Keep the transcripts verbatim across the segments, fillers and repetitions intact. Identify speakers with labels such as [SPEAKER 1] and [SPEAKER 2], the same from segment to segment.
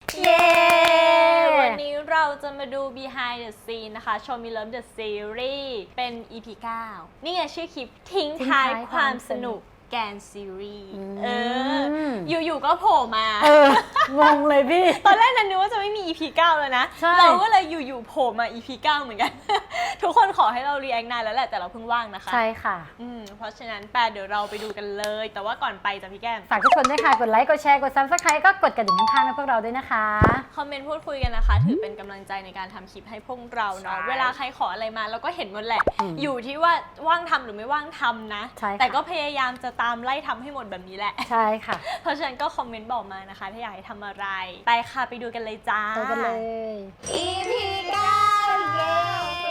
[SPEAKER 1] เย้วันนี้เราจะมาดู behind the scene นะคะ Show Me Love the Series เป็น อี พี เก้า นี่ไงชื่อคลิปทิ้งท้ายความสนุกแกนซีรีส์เอออยู่ๆก็โผล่มาเอ
[SPEAKER 2] องงเลยพี่
[SPEAKER 1] ตอนแรกนั้นนึกว่าจะไม่มี อี พี เก้าเลยนะเราก็เลยอยู่ๆโผล่มา อี พี เก้าเหมือนกัน ทุกคนขอให้เรา react นานแล้วแหละแต่เราเพิ่งว่างนะคะ
[SPEAKER 2] ใช่ค่ะ
[SPEAKER 1] อืมเพราะฉะนั้นแปลเดี๋ยวเราไปดูกันเลยแต่ว่าก่อนไปจ้ะพี่แก้ม
[SPEAKER 2] ฝากทุกคนด้วยค่ะกดไลค์กดแชร์กด Subscribe ก็กดกระดิ่งข้างๆให้พวกเราด้วยนะคะ
[SPEAKER 1] คอมเมนต์พูดคุยกันนะคะถือเป็นกำลังใจในการทำคลิปให้พวกเราเนาะเวลาใครขออะไรมาเราก็เห็นหมดแหละอยู่ที่ว่าว่างทำหรือไม่ว่างทำนะแต่ก็พยายามจะตามไล่ทำให้หมดแบบนี้แหละ
[SPEAKER 2] ใช่ค่ะ
[SPEAKER 1] เพราะฉะนั้นก็คอมเมนต์บอกมานะคะถ้าอยากให้ทำอะไรไปค่ะไปดูกันเลยจ้า
[SPEAKER 2] ไปกันเลย
[SPEAKER 1] อี พี เก้า เย้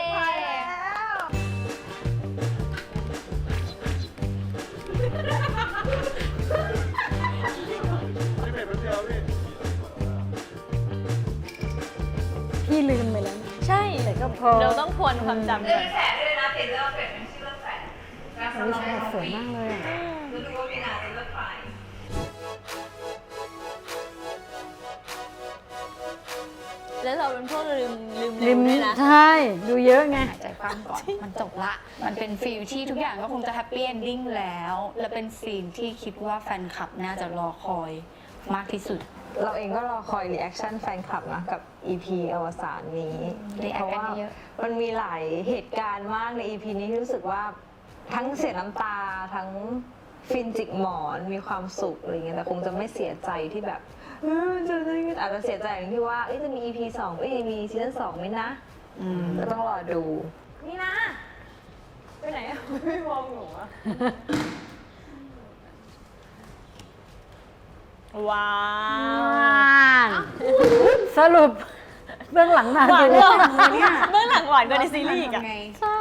[SPEAKER 2] พี่ลืมไปแล้ว
[SPEAKER 1] ใช่
[SPEAKER 2] แต่ก็พอ
[SPEAKER 1] เราต้องทวนความจำก่อน
[SPEAKER 3] แฝดด้วยนะเพจเลือกแฝดชื่อเลือกแฝด
[SPEAKER 2] วิชาสวยมากเลยอ่ะ
[SPEAKER 3] ดูดูว่ามีนาจะเลือกใคร
[SPEAKER 1] แล้วเราเป็นพวกลืมลืม
[SPEAKER 2] ลืม
[SPEAKER 1] ด้วยนะ
[SPEAKER 2] ใช่ดูเยอะไง
[SPEAKER 4] หายใจฟังก่อนมันจบละมันเป็นฟีลที่ทุกอย่างก็คงจะแฮปปี้เอนดิ้งแล้ว และเป็นซีนที่คิดว่าแฟนคลับน่าจะรอคอยมากที่สุด
[SPEAKER 5] เราเองก็รอคอยรีแอคชั่นแฟนคลับนะกับ อี พี อวสานนี้ เพราะว่ามันมีหลายเหตุการณ์มากใน อี พี นี้ที่รู้สึกว่าทั้งเสียน้ำตาทั้งฟินจิกหมอนมีความสุขอะไรเงี้ยแต่คงจะไม่เสียใจที่แบบเออจะอาจจะเสียใจอย่างที่ว่าจะมี อี พี สองเอ้ยมีซีซั่นสองไหมนะก็ต้องรอดู
[SPEAKER 1] นี่นะไปไหนอะไม่มองหนูอะว้าว
[SPEAKER 2] สรุปเบื้องหลังนาน
[SPEAKER 1] หวาน
[SPEAKER 2] เล
[SPEAKER 1] เ
[SPEAKER 2] ย
[SPEAKER 1] นี่ยเบื้องหลังหวานกว่าในซีรีส์อีกอะ
[SPEAKER 2] ใช่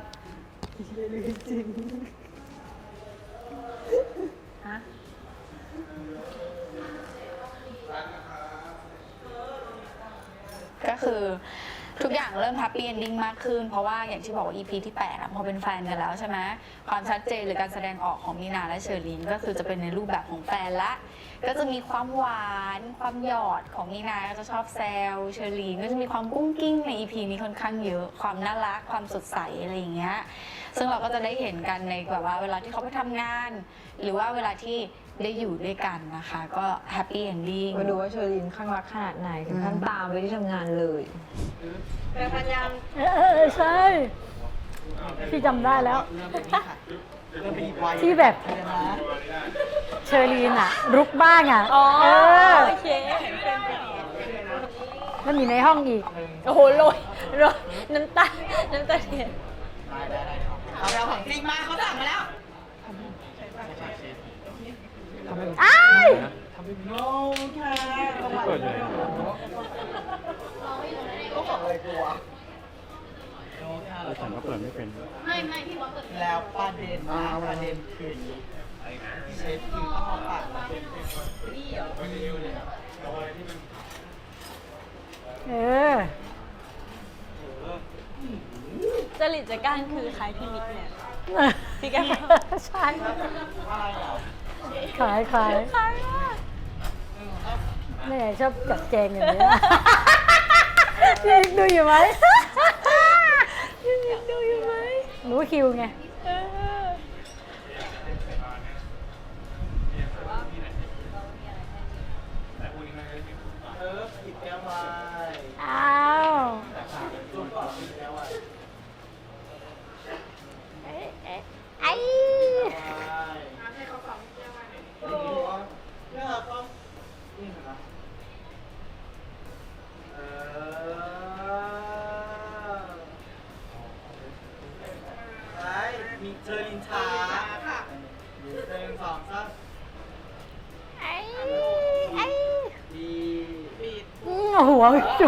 [SPEAKER 4] ก็คือทุกอย่างเริ่มแฮปปี้เอนดิ้งมากขึ้นเพราะว่าอย่างที่บอกว่า อี พี ที่แปดพอเป็นแฟนกันแล้วใช่ไหมความชัดเจนหรือการแสดงออกของมีนาและเชอรีนก็คือจะเป็นในรูปแบบของแฟนละก็จะมีความหวานความหยอดของมีนาก็จะชอบแซวเชอรีนก็จะมีความกุ้งกิ้งใน อี พี นี้ค่อนข้างเยอะความน่ารักความสดใสอะไรอย่างเงี้ยซึ่งเราก็จะได้เห็นกันในแบบว่าเวลาที่เขาไปทำงานหรือว่าเวลาที่ได้อยู่ด้วยกันนะคะก็แฮปปี้เอนดิ้ง
[SPEAKER 5] มาดูว่าเชอรินข้างรักขนาดไหนถึงขั้นตามไปที่ทำงานเลย
[SPEAKER 3] เป็นพันยัง
[SPEAKER 2] เออใช่พี่จำได้แล้วที่แบบเชอรีนอะรุกบ้างอะ
[SPEAKER 1] อ๋อ
[SPEAKER 2] เออ
[SPEAKER 1] โอเค
[SPEAKER 2] แล้วมีในห้องอีก
[SPEAKER 1] โอ้โหโรยโรยน้ำตาน้ำตาเทียน
[SPEAKER 3] เอาเราของจริงมาเขาสั่งมาแล้ว
[SPEAKER 2] อ้าย
[SPEAKER 3] โน้ค่ะเปิดเลยก็ของอะไรกลัว
[SPEAKER 6] แล้วฉันก็เปิดไม่เป็น
[SPEAKER 3] ไม่ไม่พี่ว่าเปิดแล้วประเด็นนะประเด็นคือเชฟคือต้องเอาปากนี่เหรอ
[SPEAKER 2] เออ
[SPEAKER 1] จริตจักรานคือใครพี่มิกเนี่ยพี่แก้ม
[SPEAKER 2] ใช่ขายขาย
[SPEAKER 1] ขายมาก
[SPEAKER 2] แม่ชอบจัดแจงอย่างนี้พี่ดูอยู่ไหม
[SPEAKER 1] พี่มิกดูอยู่ไหม
[SPEAKER 2] รู้คิวไงอ้าวไอ้ไอ้
[SPEAKER 3] มีเจอลินชาค่ะหนึ่งสองสาม
[SPEAKER 2] ไอ้ไอ้
[SPEAKER 3] ดีปิด
[SPEAKER 2] หัวจุก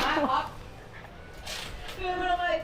[SPEAKER 3] คือมันเลย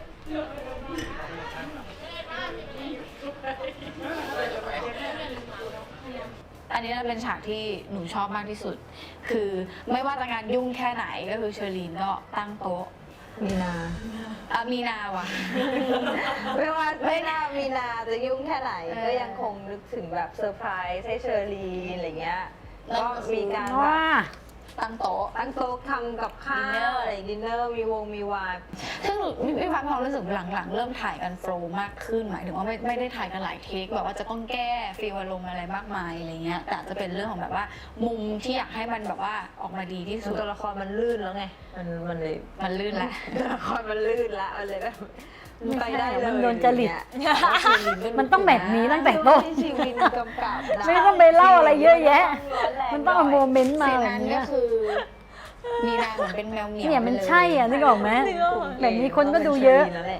[SPEAKER 4] อันนี้เป็นฉากที่หนูชอบมากที่สุดคือไม่ว่าจะงานยุ่งแค่ไหนก็คือเชอรีนก็ตั้งโต๊ะ
[SPEAKER 5] มีนา
[SPEAKER 4] อ่ะมีนาว่ะ
[SPEAKER 5] ไม่ว่าไม่น่ามีนาจะยุ่งแค่ไหนก็ยังคงนึกถึงแบบเซอร์ไพรส์ให้เชอรีนอะไรเงี้ยก็มีการแบบ
[SPEAKER 4] ตั้งโต๊ะ
[SPEAKER 5] ตั้งโต๊ะทำกับข้า
[SPEAKER 4] ดินเนอร์
[SPEAKER 5] วอะไรดินเนอร์มีวงมีวาย
[SPEAKER 4] ซึ่งพี่ฟ้าความรู้สึกหลังๆ เริ่มถ่ายกันโฟล์มากขึ้นหมายถึงว่าไม่ไม่ได้ถ่ายกันหลายเทคแบบว่าจะต้องแก้ฟีลอารมณ์อะไรมากมายอะไรเงี้ยแต่จะเป็นเรื่องของแบบว่ามุมที่อยากให้มันแบบว่าออกมาดีที่สุด
[SPEAKER 5] ตัวละครมันลื่นแล้วไงมันมันเลย
[SPEAKER 4] มันลื่นแหละ
[SPEAKER 5] ตัวละครมันลื่นละมันเลยแบบไปได้เลย
[SPEAKER 2] มันโดนจริต
[SPEAKER 5] เนี่ย
[SPEAKER 2] มันต้องแบบนี้ตั้งแต่ต้น
[SPEAKER 5] ชีวิตกำกับนะ
[SPEAKER 2] ไม่ต้องไปเล่าอะไรเยอะแยะ มันต้องเอาโมเมนต์มา
[SPEAKER 4] ซีน
[SPEAKER 2] แบบ
[SPEAKER 4] นั้น
[SPEAKER 2] เนี้
[SPEAKER 4] ก็
[SPEAKER 2] ย
[SPEAKER 4] คือมีนางเหมือนเป็นแมวเหมียว
[SPEAKER 2] เนี่ยมัน
[SPEAKER 4] ไปล
[SPEAKER 2] ใช่อ่ะนึกออกไหมแบบนี้คนก็ดูเยอะ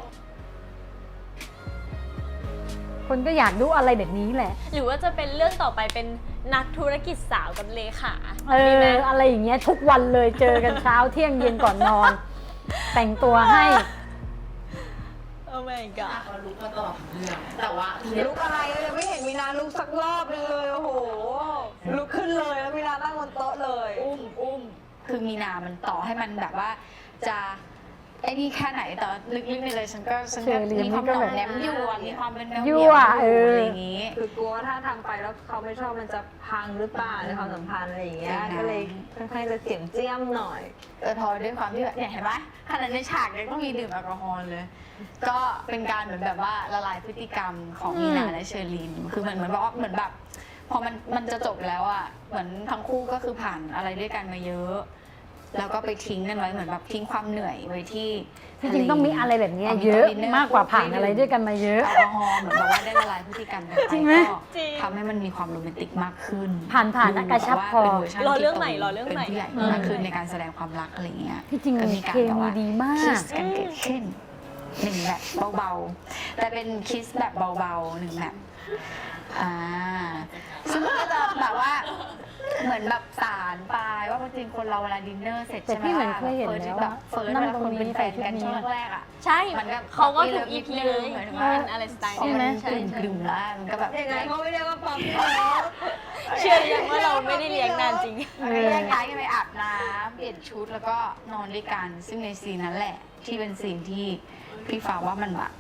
[SPEAKER 2] คนก็อยากดูอะไรแบบนี้แหละ
[SPEAKER 1] หรือว่าจะเป็นเรื่องต่อไปเป็นนักธุรกิจสาวกับเลขา
[SPEAKER 2] เอ
[SPEAKER 1] ดีไหม
[SPEAKER 2] ออะไรอย่างเงี้ยทุกวันเลยเจอกันเช้าเที่ยงเย็นก่อนนอน แต่งตัวให้
[SPEAKER 1] โอ้ my god
[SPEAKER 3] เขารู้มาตลอดเรื่องแต่ว่า
[SPEAKER 5] ลุกอะไรเรายังไม่เห็นมีนาลุกสักรอบนึงเลยโอ้โหลุกขึ้นเลยแล้วมีนานั่งบนโต๊ะเลย
[SPEAKER 4] อุ้มอุ้มคือมีนามันต่อให้มันแบบว่าจะไอ้นี่แค่ไหนแต่ลึกๆในเลยฉันก็ฉันก็
[SPEAKER 2] เชอรี่
[SPEAKER 4] มีความ
[SPEAKER 2] นี่ก็
[SPEAKER 4] หน่อ
[SPEAKER 2] แบบ
[SPEAKER 4] มแนมอยู่อะมีความเป็นแมวเห
[SPEAKER 2] ยั่
[SPEAKER 4] มียว
[SPEAKER 2] ว
[SPEAKER 4] อ
[SPEAKER 2] เอออ
[SPEAKER 4] อะไรอย่างงี้
[SPEAKER 5] คือกลัวว่าถ้าทำไปแล้วเขาไม่ชอบมันจะพังหรือเปล่าในความสัมพันธ์อะไรอย่างเงี้ย
[SPEAKER 4] ใช่
[SPEAKER 5] ก็เลยค่อนข้างจะเจียมเจียมหน่อย
[SPEAKER 4] แต่พอด้วยความที่แบบเนี่ยเห็นไหมขนาดในฉากยังต้องมีดื่มแอลกอฮอล์เลย ก็เป็นการเหมือนแบบว่าละลายพฤติกรรมของมีนาและเชอรีนคือเหมือนเหมือนว่าเหมือนแบบ พอมันมันจะจบแล้วอ่ะเหมือนทั้งคู่ก็คือผ่านอะไรด้วยกันมาเยอะ แล้วก็ไปทิ้งกันไว้เหมือนแบบทิ้งความเหนื่อยไว้ที่
[SPEAKER 2] จริงๆต้องมีอะไรแบบเนี้ย
[SPEAKER 4] า
[SPEAKER 2] เยอะ
[SPEAKER 4] ดินนร์
[SPEAKER 2] มากกว่าผ่านอะไรด้วยกันมาเยอะ
[SPEAKER 4] แอลกอฮอล์เหมือนแบบว่าได้ละลายพฤติกรรมกันไป
[SPEAKER 2] จริงไหม
[SPEAKER 4] ก็
[SPEAKER 1] จริง
[SPEAKER 4] ทำให้มันมีความโรแมนติกมากขึ้น
[SPEAKER 2] ผ่านผ่านนะกระชับพอ
[SPEAKER 4] ดูแบบว่าป็นวชัน
[SPEAKER 1] รอเรื่อง
[SPEAKER 4] ที่โต
[SPEAKER 1] ใหม่รอเรื่องใหม่
[SPEAKER 4] เป็นผู้ใหญ่มากขึ้นในการแสดงความรักอะไรเงี้ย
[SPEAKER 2] ที่จริง
[SPEAKER 4] ก็มีการ
[SPEAKER 2] เค
[SPEAKER 4] แบบ
[SPEAKER 2] มี
[SPEAKER 4] ว่า
[SPEAKER 2] ดีมาก
[SPEAKER 4] คิสกันเกิดขึ้นหนึ่งแบบเบาๆ แต่เป็นคิสแบบเบาๆหนึ่งแบบอ่าซึ่งมันก็จะแบบว่าเหมือนแบบสารปลายว่าจริงๆคนเราเวลาดินเนอร์เสร็จ
[SPEAKER 2] แต่
[SPEAKER 4] ใช่ไหม
[SPEAKER 2] พี่เหมือนเคยเห็นแล้ว
[SPEAKER 4] แบ
[SPEAKER 2] อะ
[SPEAKER 4] บเฟิร์ส
[SPEAKER 2] นั่
[SPEAKER 4] เว
[SPEAKER 2] ง
[SPEAKER 4] ลา
[SPEAKER 2] ตรง
[SPEAKER 4] คน
[SPEAKER 2] นี้
[SPEAKER 4] เป็นแฟนกัน
[SPEAKER 2] ใส่ชุดนี้
[SPEAKER 4] ช่วงแรกๆอ่ะ
[SPEAKER 1] ใช่
[SPEAKER 4] มันก็
[SPEAKER 1] เขาก็ถูก
[SPEAKER 4] มี
[SPEAKER 1] อี
[SPEAKER 4] เลิ
[SPEAKER 1] พี
[SPEAKER 4] ฟ
[SPEAKER 1] เลย
[SPEAKER 4] เหมือน
[SPEAKER 1] เป็นอะไรสไตล์
[SPEAKER 4] พอ
[SPEAKER 1] นี้
[SPEAKER 4] มัน
[SPEAKER 1] ใช่
[SPEAKER 4] กลิ่นกลุ่มแล้วมันก็แบบ
[SPEAKER 5] ยังไงเขาไม่เรียกว่าปั๊มแล้ว
[SPEAKER 1] เชื่อยังว่าเราไม่ได้เลี้ยงนานจริง
[SPEAKER 4] มันก็แยกย้ายกันไปอาบน้ำเปลี่ยนชุดแล้วก็นอนด้วยกัน ซึ่งในซีนนั้นแหละ ที่เป็นซีนที่พี่ฟ้าว่ามันแบบ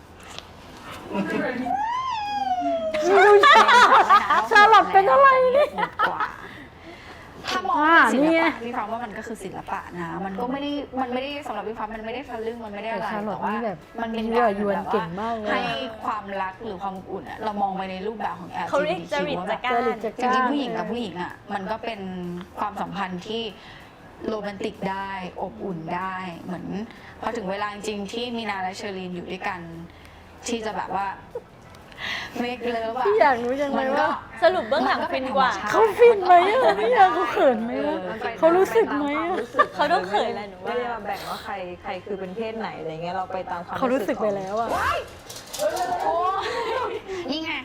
[SPEAKER 2] ชาลอตเป็นอะไรเนี่ย
[SPEAKER 4] หมดกว่า ถ้ามอง
[SPEAKER 2] อ่า
[SPEAKER 4] เป็นศิ
[SPEAKER 2] นี่
[SPEAKER 4] ล
[SPEAKER 2] ไง
[SPEAKER 4] ปะพี่ฟ้าว่ามันก็คือศิลปะนะ มันก็ไม่ได้มันไม่ได้สำหรับพี่ฟ้ามันไม่ได้ทะลึ่งมันไม่ได้อะไร
[SPEAKER 2] แต่ชาลอต
[SPEAKER 4] แต่ว่า
[SPEAKER 2] นี่แบบ
[SPEAKER 4] มันเป็น
[SPEAKER 2] ยั่
[SPEAKER 4] กาว ร
[SPEAKER 2] ยวน
[SPEAKER 4] แบบ
[SPEAKER 2] เก่งมากเลย
[SPEAKER 4] ให้ความรักหรือความอบอุ่นอะเรามองไปในรูปแบบของ แอล
[SPEAKER 1] เขา
[SPEAKER 4] จี
[SPEAKER 1] เรียก
[SPEAKER 4] บี
[SPEAKER 1] จ
[SPEAKER 4] ที
[SPEAKER 1] ริต
[SPEAKER 4] ว่า
[SPEAKER 1] จั
[SPEAKER 4] แบบ
[SPEAKER 1] กรา
[SPEAKER 2] จริ
[SPEAKER 1] ร
[SPEAKER 2] ตจัก
[SPEAKER 4] จริงๆผู้หญิงกับผู้หญิงอ่ะมันก็เป็นความสัมพันธ์ที่โรแมนติกได้อบอุ่นได้เหมือนพอถึงเวลาจริงๆที่มีนาและเชอรีนอยู่ด้วยกัน ที่จะแบบว่าเมกเลิฟอะ
[SPEAKER 2] พี่อยากรู้จังเลยว่า
[SPEAKER 1] สรุปเบื้องหลังฟินกว่า
[SPEAKER 2] เขาฟินไหมอะพี่อยากเขาเขินไหมอะ เขารู้สึกไหมอะ
[SPEAKER 1] เขาต้องเขินแหละหนูว่า
[SPEAKER 5] ไม่ได้มาแบ่งว่าใครใครคือเป็นเพศไหนอะไรเงี้ยเราไปตามความ
[SPEAKER 2] เขารู้สึกไป
[SPEAKER 5] ของ
[SPEAKER 2] แล้วอะ
[SPEAKER 4] โอ้นี่ไง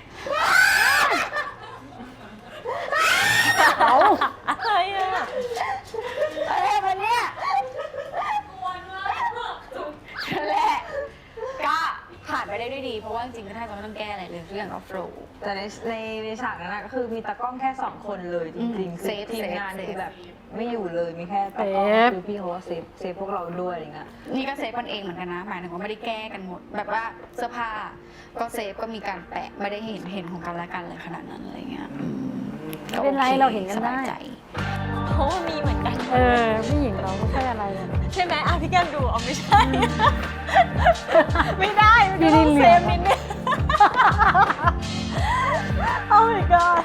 [SPEAKER 2] เอา
[SPEAKER 1] อะไรอ่ะ
[SPEAKER 4] อะไรมันเนี่ยนั่นแหละก็ผ่านไปได้ด้วยดี เพราะว่าจริงๆก็แทบจะไม่ต้องแก้อะไรเลยทุกอย่างก็โฟล์
[SPEAKER 5] แต่ในในในฉากนั้นนะก็คือมีตากล้องแค่สองคนเลยจริงๆ
[SPEAKER 4] เซ
[SPEAKER 5] คือ
[SPEAKER 4] ฟ
[SPEAKER 5] ทีมงาน
[SPEAKER 4] เซฟ
[SPEAKER 5] คือแบบไม่อยู่เลยมีแค่ตากล้องคือพี่เขาก็เซฟเซฟพวกเราด้วยอะไรเงี้ย
[SPEAKER 4] นี่ก็เซฟกันเองเหมือนกันนะ หมายถึงว่าไม่ได้แก้กันหมด แบบว่าเสื้อผ้าก็เซฟก็มีการแปะไม่ได้เห็นเห็นของกันและกันเลยขนาดนั้นอะไรเงี้ยอืม
[SPEAKER 2] ไม่เป็นไร
[SPEAKER 4] โอค
[SPEAKER 2] เราเห็นกันได้
[SPEAKER 4] สบายใจ
[SPEAKER 1] เพราะว่ามีเหมือนกัน
[SPEAKER 2] เออผู้หญิงเราไม่ใช่อะไรอะ
[SPEAKER 1] ใช่ไหมอ่ะพี่แก้มดูเอาไม่ใช่ ไม่ได้
[SPEAKER 2] ดี
[SPEAKER 1] ไม่
[SPEAKER 2] ดี
[SPEAKER 1] ต้อง
[SPEAKER 2] เหลื
[SPEAKER 1] เซ
[SPEAKER 2] อ
[SPEAKER 1] ฟนิดนึง โอ้ my god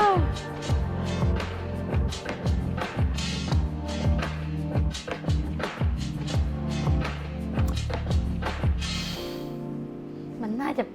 [SPEAKER 2] มันน่าจะ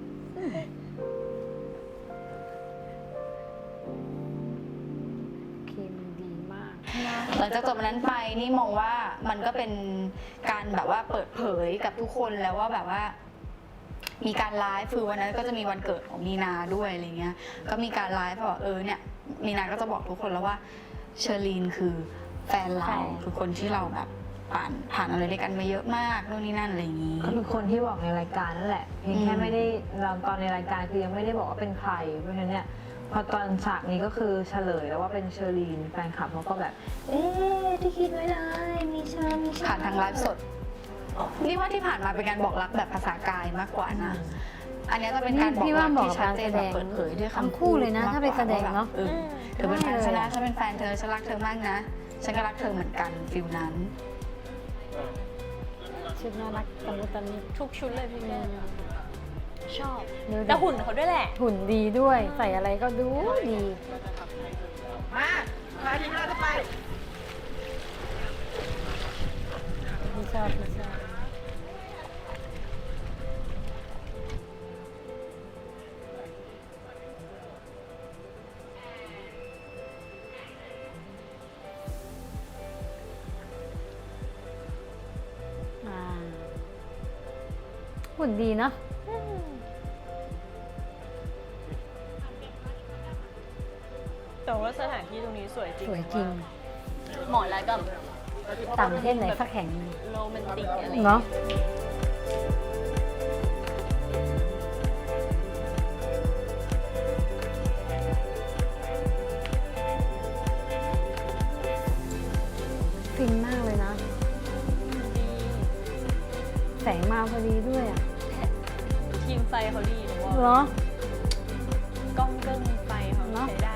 [SPEAKER 2] เคมีดีมาก
[SPEAKER 4] หลังจากจบวันนั้นไปนี่มองว่ามันก็เป็นการแบบว่าเปิดเผยกับทุกคนแล้วว่าแบบว่า มีการไลฟ์คือวันนั้นก็จะมีวันเกิดของมีนาด้วยอะไรเงี้ย ก็มีการไลฟ์บอกเออเนี่ยมีนาก็จะบอกทุกคนแล้วว่าเชอรีนคือแฟนเรา
[SPEAKER 2] ใช่
[SPEAKER 4] คือคนที่เราแบบผ่านผ่านอะไรด้วยกันมาเยอะมากนู่นนี่นั่นอะไรอย่างงี้
[SPEAKER 5] ก็คือคนที่บอกในรายการนั่นแหละเพียงแค่
[SPEAKER 4] อืม
[SPEAKER 5] ไม่ได้เราตอนในรายการคือยังไม่ได้บอกว่าเป็นใครเพราะฉะนั้นเนี่ยพอตอนฉากนี้ก็คือเฉลยแล้วว่าเป็นเชอรีนแฟนคลับเขาก็แบบ เอ๊ะที่คิดไม่ได้มีเชอมีเชอ
[SPEAKER 4] ผ่านทางไลฟ์สดนี่ว่าที่ผ่านมาเป็นการบอกรักแบบภาษากายมากกว่านะ อันนี้จะเป็นการบอก
[SPEAKER 2] พี่ว่า
[SPEAKER 4] รัก
[SPEAKER 2] เหมาะ
[SPEAKER 4] ที่
[SPEAKER 2] กับ
[SPEAKER 4] ชัด
[SPEAKER 2] การ
[SPEAKER 4] เจ
[SPEAKER 2] แส
[SPEAKER 4] น
[SPEAKER 2] ด
[SPEAKER 4] แบบ
[SPEAKER 2] ง
[SPEAKER 4] เปิดเผยด้วย
[SPEAKER 2] ทั้ง
[SPEAKER 4] คำ
[SPEAKER 2] คู่เลยนะ
[SPEAKER 4] มกกว่
[SPEAKER 2] ถ้าไปแสดงเนอะ
[SPEAKER 4] ว่แบบออเธอเป็นแฟนฉันนะฉันเป็นแฟนเธอฉันรักเธอมากนะฉันก็รักเธอเหมือนกันฟิลนั้น
[SPEAKER 2] ชุดน่ารักตะมุตะมิ
[SPEAKER 1] ทุกชุดเลยพี่แม่ชอบ
[SPEAKER 2] ดูดิ
[SPEAKER 1] แต่หุ่นเขาด้วยแหละ
[SPEAKER 2] หุ่นดีด้วย ใส่อะไรก็ดูดี
[SPEAKER 3] มาพาทีมเราจะไป
[SPEAKER 2] พี่ชอบพี่ชอบอ่าหุ่นดีเนาะ
[SPEAKER 1] แต่ว่าสถานที่ตรงนี้สวยจริง
[SPEAKER 2] สวยจริง
[SPEAKER 1] เหมาะแล้วกับ
[SPEAKER 2] ต่างประเทศไหนสักแห่งหนึ่ง
[SPEAKER 1] โรแมนติกอะไร
[SPEAKER 2] เนาะฟินมากเลยนะ แสงมาพอดีด้วยอ่ะ
[SPEAKER 1] ทีมไฟเขาดีหรือว่า
[SPEAKER 2] เหรอ
[SPEAKER 1] กล้องเกิ้งไฟเขา
[SPEAKER 2] เนอะ
[SPEAKER 1] ใช้ได้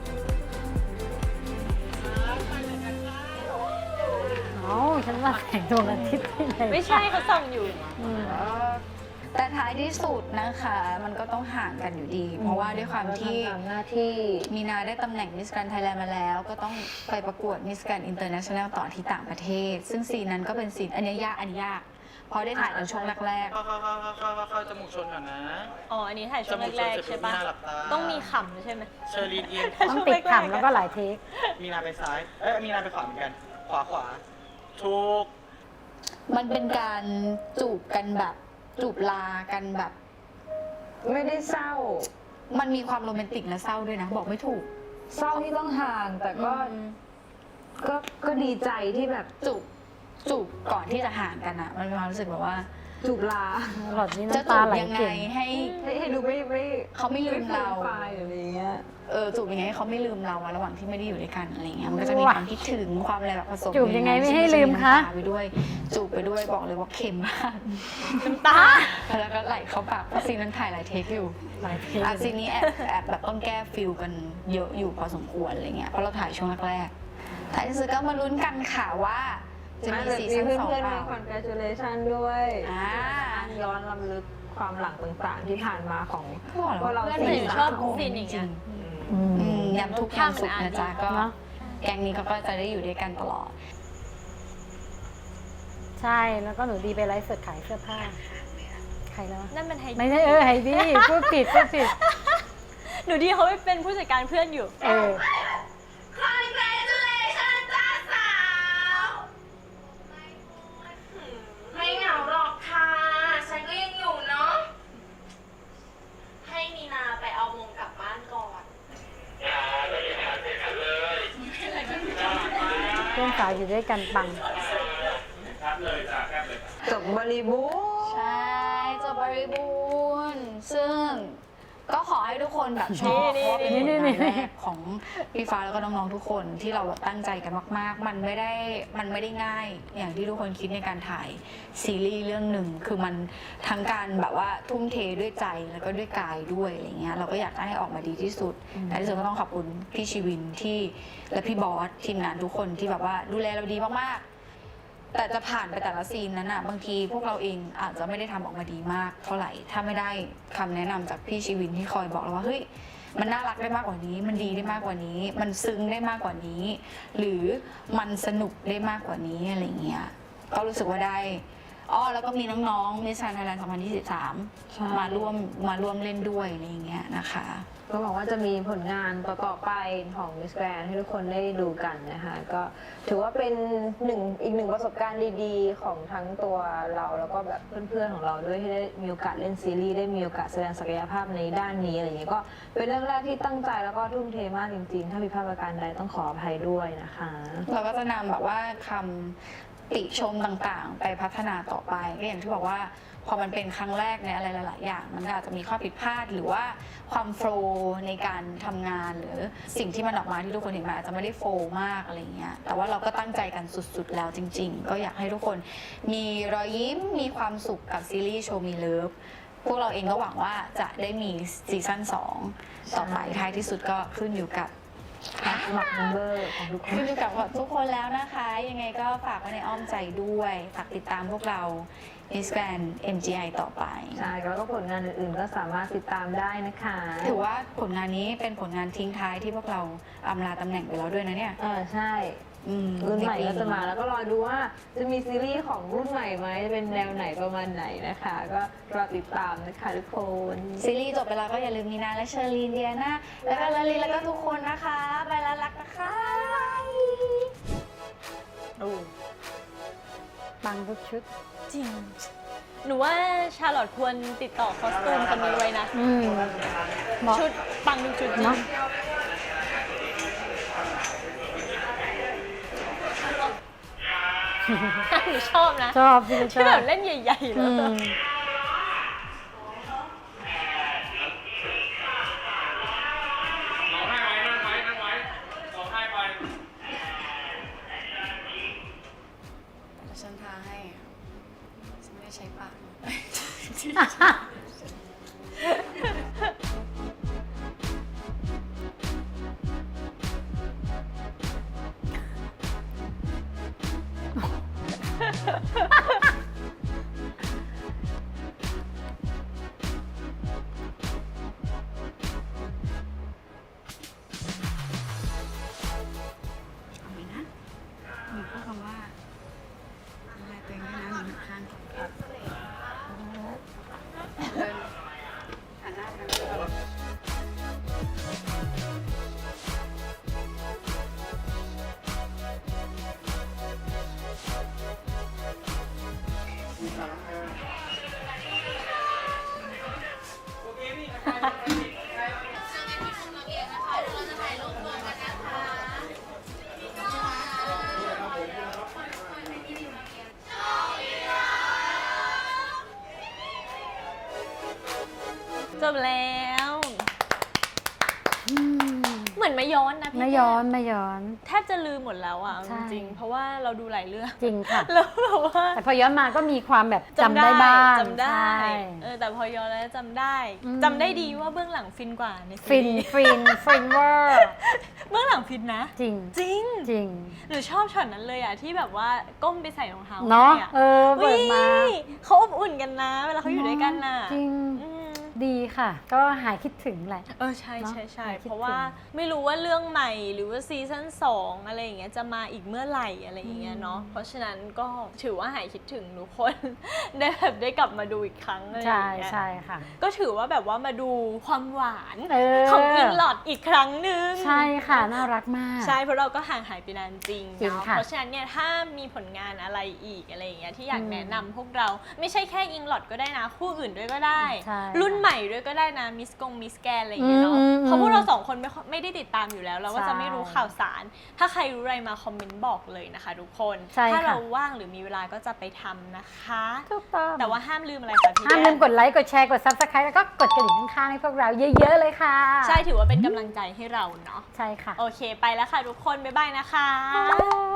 [SPEAKER 2] เอ้าฉันว่าแสงดวงอาทิตย์ที่ไหน
[SPEAKER 1] ไม่ใช่เขาส่องอยู่
[SPEAKER 2] อืม
[SPEAKER 4] แต่ท้ายที่สุดนะคะ มันก็ต้องห่างกันอยู่ดี เพราะว่าด้วยความที่
[SPEAKER 5] ทำหน้าที่
[SPEAKER 4] มีนาได้ตำแหน่งมิสแกรนไทยแลนด์มาแล้ว ก็ต้องไปประกวดมิสแกรนอินเตอร์เนชั่นแนลต่อที่ต่างประเทศ ซึ่งซีนนั้นก็เป็นซีนอันนี้ยากอันนี้ยากเพราะได้ถ่ายในช่วงแรก
[SPEAKER 3] เข้าเข้าเข้าเข้าเข้าเข้าเข้าจมูกชนก่อนนะ
[SPEAKER 1] อ๋อ อันนี้ถ่ายช่วงแรกๆใช่ปะ
[SPEAKER 3] จมูกชนเสร็จปุ๊บมีนาหลับตา
[SPEAKER 1] ต้องมีขำใช่ไหม
[SPEAKER 3] เชอรีนเอียง
[SPEAKER 2] ต้องติดขำแล้วก็หลายเทค
[SPEAKER 3] มีนาไปซ้าย เอ้ย มีนาไปขวาเหมือนกัน ขวาขวา ถูก
[SPEAKER 4] ๆ มันเป็นการจูบกันแบบจูบลากันแบบ
[SPEAKER 5] ไม่ได้เศร้า
[SPEAKER 4] มันมีความโรแมนติกและเศร้าด้วยนะ บอกไม่ถูก
[SPEAKER 5] เศร้าที่ต้องห่าง แต่ก็ก็ก็ดีใจที่แบบ
[SPEAKER 4] จูบจูบก่อนที่จะห่างกันอะมันมีความรู้สึกแบบว่า
[SPEAKER 5] จูบลา
[SPEAKER 2] หลอดนี้
[SPEAKER 4] จะ
[SPEAKER 2] น้ำ
[SPEAKER 4] จู
[SPEAKER 2] ตา
[SPEAKER 4] บ
[SPEAKER 2] ไหล
[SPEAKER 4] ยังไง
[SPEAKER 2] เก่ง
[SPEAKER 4] ให้
[SPEAKER 5] ให้ให้ดูไม่ไม่
[SPEAKER 4] เขาไม่ลืมเรา
[SPEAKER 5] ไฟหรืออะไรเงี้ย
[SPEAKER 4] เออจูบยังไงให้เขาไม่ลืมเราอะระหว่างที่ไม่ได้อยู่ด้วยกันอะไรเงี้ยมันก็จะมีความคิดถึงความอะไรแบบผสม
[SPEAKER 2] จูบยังไงไม่ให้ลืมคะ
[SPEAKER 4] น้ำตาไปด้วย จูบไปด้วยบอกเลยว่าเค็มมาก
[SPEAKER 1] น้ำตา
[SPEAKER 4] แล้วก็ไหลเข้าปากเพราะซีนนั้นถ่ายหลายเทคอยู่
[SPEAKER 2] หลายเทค
[SPEAKER 4] อ่ะซีนนี้แอบแอบแบบต้องแก้ฟิลกันเยอะอยู่พอสมควรอะไรเงี้ยเพราะเราถ่ายช่วงแรกๆท้ายที่สุดก็มาลุ้นกันค่ะว่าจะมีซีซั่น
[SPEAKER 5] เพื่
[SPEAKER 4] สอง
[SPEAKER 5] อน
[SPEAKER 4] เป
[SPEAKER 5] ๆ
[SPEAKER 4] ล่า
[SPEAKER 5] มา congratulation ด้วย
[SPEAKER 4] อ่า
[SPEAKER 5] ย้อนรำลึกความหลังต่างๆที่ผ่านมาของ
[SPEAKER 4] ก็บอกแล้ว
[SPEAKER 5] พวกเรา
[SPEAKER 1] เพื่อน
[SPEAKER 5] สี่
[SPEAKER 1] หนู
[SPEAKER 5] สา
[SPEAKER 1] ชอบ
[SPEAKER 5] ม
[SPEAKER 1] ซีนอย่างเงี้ย
[SPEAKER 2] อืม
[SPEAKER 4] อืมยำทุกข์ยำสุขนะจ๊ะก็
[SPEAKER 2] เนอะ
[SPEAKER 4] แก๊งนี้เขาก็จะได้อยู่ด้วยกันตลอด
[SPEAKER 2] ใช่ แล้วก็หนูดีไปไลฟ์สดขายเสื้อผ้า ใครแล้ววะ
[SPEAKER 1] นั่นเป็นไฮ
[SPEAKER 2] ไม่ใช่เออไฮดี้พูดผิดพูดผิด
[SPEAKER 1] หนูดีเขาไปเป็นผู้จัดการเพื่อนอยู่
[SPEAKER 2] เออ
[SPEAKER 6] Congratulations จ้าสาว ไม่เหงาหรอกค่ะ ฉันก็ยังอยู่เนาะ ให้มีนาไปเอามงกลับบ้านก่อน
[SPEAKER 2] เพื่อนสาวอยู่ด้วยกันปัง
[SPEAKER 5] จบบริบูรณ์
[SPEAKER 4] ใช่จบบริบูรณ์ซึ่งก็ขอให้ทุกคนแบบชอบ
[SPEAKER 1] นี่
[SPEAKER 4] เพราะว่าเป็น
[SPEAKER 2] นี่
[SPEAKER 4] ผล
[SPEAKER 2] นี่
[SPEAKER 4] งานแรกของพี่ฟ้าแล้วก็น้องๆทุกคนที่เราแบบตั้งใจกันมากๆ มันไม่ได้มันไม่ได้ง่าย อย่างที่ทุกคนคิดในการถ่ายซีรีส์เรื่องหนึ่งคือมันทั้งการแบบว่าทุ่มเทด้วยใจแล้วก็ด้วยกายด้วยอะไรเงี้ยเราก็อยากให้ออกมาดีที่สุดแต่ที่สุดก็ต้องขอบคุณพี่ชีวินที่และพี่บอสทีมงานทุกคนที่แบบว่าดูแลเราดีมากๆ แต่จะผ่านไปแต่ละซีนนั้นอ่ะบางทีพวกเราเองอาจจะไม่ได้ทำออกมาดีมากเท่าไหร่ถ้าไม่ได้คำแนะนำจากพี่ชีวินที่คอยบอกเราว่าเฮ้ยมันน่ารักได้มากกว่านี้ มันดีได้มากกว่านี้ มันซึ้งได้มากกว่านี้ หรือมันสนุกได้มากกว่านี้อะไรเงี้ยก็รู้สึกว่าได้อ้อแล้วก็มีน้องๆมิสแกรนด์ไทยแลนด์สองพันยี่สิบสามมาร่วมมาร่วมเล่นด้วยอะไรเงี้ยนะคะ
[SPEAKER 5] ก็บอกว่าจะมีผลงานต่อๆไปของ Miss Grand ให้ทุกคนได้ดูกันนะคะก็ถือว่าเป็นหนึ่งอีกหนึ่งประสบการณ์ดีๆ ของทั้งตัวเราแล้วก็แบบเพื่อนๆของเราด้วยที่ได้มีโอกาสเล่นซีรีส์ได้มีโอกาสแสดงศักยภาพในด้านนี้อะไรอย่างเงี้ยก็เป็นเรื่องแรกที่ตั้งใจแล้วก็ทุ่มเทมากจริงๆ ถ้ามีพลาดประการใดต้องขออภัยด้วยนะคะ
[SPEAKER 4] เราก็จะนำแบบว่าคำติชมต่างๆ ไปพัฒนาต่อไปก็อย่างที่บอกว่าพอมันเป็นครั้งแรกในอะไรหลายๆอย่างมันก็อาจจะมีข้อผิดพลาดหรือว่าความโฟลว์ในการทำงานหรือสิ่งที่มันออกมาที่ทุกคนเห็นมาอาจจะไม่ได้โฟลว์มากอะไรเงี้ยแต่ว่าเราก็ตั้งใจกันสุดๆแล้วจริง ๆ ก็อยากให้ทุกคนมีรอยยิ้มมีความสุขกับซีรีส์โชว์มีเลิฟพวกเราเองก็หวังว่าจะได้มีซีซั่นสองต่อไปท้ายที่สุดก็ขึ้นอยู่กับ
[SPEAKER 5] สมัครเมมเบอร์ของทุกคน
[SPEAKER 4] ขึ้นอยู่กับทุกคนแล้วนะคะ ยังไงก็ฝากไว้ในอ้อมใจด้วย ฝากติดตามพวกเรา Miss Grand เอ็ม จี ไอ ต่อไป
[SPEAKER 5] ใช่แล้วก็ผลงานอื่นๆก็สามารถติดตามได้นะคะ
[SPEAKER 4] ถือว่าผลงานนี้เป็นผลงานทิ้งท้ายที่พวกเราอำลาตำแหน่งไปแล้วด้วยนะเนี่ย
[SPEAKER 5] เออใช่
[SPEAKER 4] อืม
[SPEAKER 5] รุ่นใหม่ก็จะมาแล้วก็รอดูว่าจะมีซีรีส์ของรุ่นใหม่ไหมจะเป็นแนวไหนประมาณไหนนะคะ ก็รอติดตามนะคะทุกคน
[SPEAKER 4] ซีรีส์จบไปแล้วก็อย่าลืมนีนาและเชอรีนเดียนาแล้วก็ลาลีแล้วก็ทุกคนนะคะ ไปแล้วรักนะคะ
[SPEAKER 1] โอ้
[SPEAKER 2] ปังทุกชุด
[SPEAKER 1] จริง หนูว่าชาลอตควรติดต่อคอสตูมคนนี้ไว้นะ
[SPEAKER 2] อืมเหมาะ
[SPEAKER 1] ชุดปังทุกชุดจริง
[SPEAKER 2] เนาะ
[SPEAKER 1] หนูชอบนะ
[SPEAKER 2] ชอบพี่ช
[SPEAKER 1] ที่
[SPEAKER 2] อ
[SPEAKER 1] แบบ บเล่นใหญ่ๆเล
[SPEAKER 2] อื
[SPEAKER 1] ย
[SPEAKER 2] ม
[SPEAKER 7] ร้องไห้ไว้นั่งไว้นั่งไว้ร้องไห้ไป
[SPEAKER 4] ฉันทาให้ฉันไม่ได้ใช้ปาก เอาไหมนะหนูพูดคำว่าอะไรตัวเองด้วยนะหนูหันข้างเดินหันหน้าไปทางนี้
[SPEAKER 1] จบแล้ว เหมือนไม่ย้อนนะพี่
[SPEAKER 2] ไม่ย้อนไม่ย้อน
[SPEAKER 1] แทบจะลืมหมดแล้วอ่ะ
[SPEAKER 2] ใช่
[SPEAKER 1] จริงๆเพราะว่าเราดูหลายเรื่อง
[SPEAKER 2] จริงค่ะ
[SPEAKER 1] แล้วแบบว่า
[SPEAKER 2] แต่พอย้อนมาก็มีความแบบจำได้บ้าง
[SPEAKER 1] จำได้
[SPEAKER 2] ใช่
[SPEAKER 1] เออแต่พอย้อนแล้วจำได้
[SPEAKER 2] อืม
[SPEAKER 1] จำได้ดีว่าเบื้องหลังฟินกว่าในซี
[SPEAKER 2] ฟิน
[SPEAKER 1] รีส์
[SPEAKER 2] ฟินฟินเวอร์
[SPEAKER 1] เบื้องหลังฟินนะ
[SPEAKER 2] จริง
[SPEAKER 1] จริง
[SPEAKER 2] จริง
[SPEAKER 1] หนูชอบช็อตนั้นเลยอ่ะที่แบบว่าก้มไปใส่รองเท้า
[SPEAKER 2] เนาะ
[SPEAKER 1] ให้อะ
[SPEAKER 2] เออเปิดมา
[SPEAKER 1] อุ๊ยเขาอบอุ่นกันนะ เวลาเขาอยู่ด้วยกันน่ะ
[SPEAKER 2] จริง
[SPEAKER 1] อืม
[SPEAKER 2] ดีค่ะ ก็หายคิดถึงแหละ
[SPEAKER 1] เออใช่
[SPEAKER 2] เนอะ
[SPEAKER 1] ใช่ใช่
[SPEAKER 2] หายคิด
[SPEAKER 1] เพราะว่า
[SPEAKER 2] ถึ
[SPEAKER 1] ไม่รู้ว่าเรื่องใหม่หรือว่าซีซั่นสองอะไรอย่างเงี้ยจะมาอีกเมื่อไหร่อะไรอย่างเงี้ยเนาะเพราะฉะนั้นก็ถือว่าหายคิดถึงทุกคน ได้แบบได้กลับมาดูอีกครั้งอะไรอ
[SPEAKER 2] ใช่
[SPEAKER 1] ย่างเงี้ย
[SPEAKER 2] ใช่ค่ะ
[SPEAKER 1] ก็ถือว่าแบบว่ามาดูความหวาน
[SPEAKER 2] เออ
[SPEAKER 1] ของอิงลอดอีกครั้งหนึ่ง
[SPEAKER 2] ใช่ค่ะ น่ารักมาก
[SPEAKER 1] ใช่เพราะเราก็ห่างหายไปนานจริง
[SPEAKER 2] จริง
[SPEAKER 1] เนาะ
[SPEAKER 2] ค่ะ
[SPEAKER 1] เพราะฉะนั้นเนี่ยถ้ามีผลงานอะไรอีกอะไรอย่างเงี้ยที่อยาก
[SPEAKER 2] อืม
[SPEAKER 1] แนะนำพวกเราไม่ใช่แค่อิงลอดก็ได้นะ คู่อื่นด้วยก็ได้
[SPEAKER 2] ใช่
[SPEAKER 1] รุ่นใหม่ด้วยก็ได้นะมิสกงมิสแกนอะไรอย่างเงี้ยเนาะ
[SPEAKER 2] อืมอืม
[SPEAKER 1] เพราะพวกเราสองคนไม่ค่อยไม่ได้ติดตามอยู่แล้ว เราก็
[SPEAKER 2] ใช่
[SPEAKER 1] จะไม่รู้ข่าวสาร ถ้าใครรู้อะไรมาคอมเมนต์บอกเลยนะคะทุกคน
[SPEAKER 2] ใช่
[SPEAKER 1] ถ้า
[SPEAKER 2] ค่ะ
[SPEAKER 1] เราว่างหรือมีเวลาก็จะไปทำนะคะ
[SPEAKER 2] ถูกต้อง
[SPEAKER 1] แต่ว่าห้ามลืมอะไรคะพี่
[SPEAKER 2] ห้าม
[SPEAKER 1] แก้
[SPEAKER 2] ลืมกดไลค์ กดแชร์ กด ซับสไครต์แล้วก็กดกระดิ่งข้างๆให้พวกเราเยอะๆเลยค่ะ
[SPEAKER 1] ใช่ถือว่าเป็นกำลังใจให้เราเนาะ
[SPEAKER 2] ใช่ค่ะ
[SPEAKER 1] โอเคไปแล้วค่ะทุกคนบ๊ายบายนะคะ
[SPEAKER 2] บ๊ายบาย